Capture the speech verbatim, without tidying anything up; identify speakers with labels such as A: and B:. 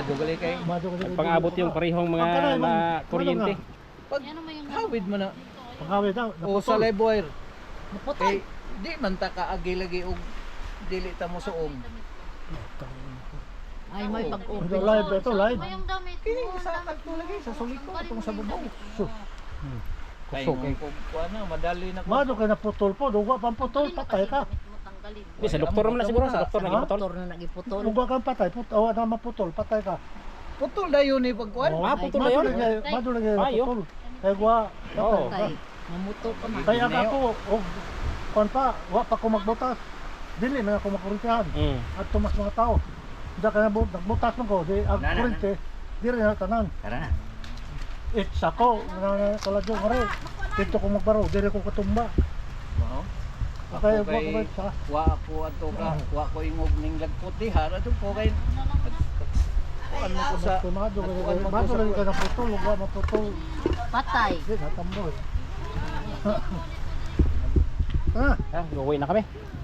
A: Madyo gali kay.
B: Madyo kasi
C: Pang-abot yung parehong mga
B: Pagka na,
C: na
B: ano
C: kuryente.
A: Pag hawid mo na
B: Pagkawit daw.
A: o sa live wire
D: Naputol.
A: kay di man ta kaagi lagi og dili ta mo suong.
D: Ay, may pag-open.
B: Ito live, ito live.
E: Yung damit
A: Kini
E: mo.
A: sa kadto lagi sa suliko atong sa babaw.
B: Sus.
A: Kay
C: Kusog.
A: kung kuan na madali na ko.
B: Madyo kay naputol po, duwa pang putol, patay ka.
C: Di, sa doktor naman na siguro, sa doktor
B: Ha?
C: naging putol.
D: Doktor na nagiputol.
B: Duwa kang patay, put awa na maputol, patay ka.
A: Putol dayon ni pagkuan.
B: Oh,
C: Ah, putol na
B: madyo
C: yun.
B: lagi, madyo lagi
C: Ayo.
B: naputol. Kaya guwa, patay
C: Oo.
B: ka.
D: Tay, mamuto ka man.
B: Kaya ka po, og kon pa, wa pa ko magbutas. Dili na ako makurintihan.
C: Mm.
B: At tumas mga tao. Diya ka na bu- nagbutas man ko, di ang
A: Na, na, na.
B: kurente, di rin na tanan.
A: Tara na.
B: It's ako, na kaladyo nga rin. Dito ko magbaro, di rin ko katumba.
A: Mao. Ako
B: Okay, wa
A: kay
B: ko ba sa?
A: wa ako ato ka, wa ko ingog ning lagpot di ha. Ato ko kay kuan mo ko sa
B: Tumado ka
A: kuan mo ko
B: madyo
A: sa
B: lagi ka naputol, wa maputol.
D: Patay.
B: Di na tamboy. Ha?
C: Ah, gawin na kami.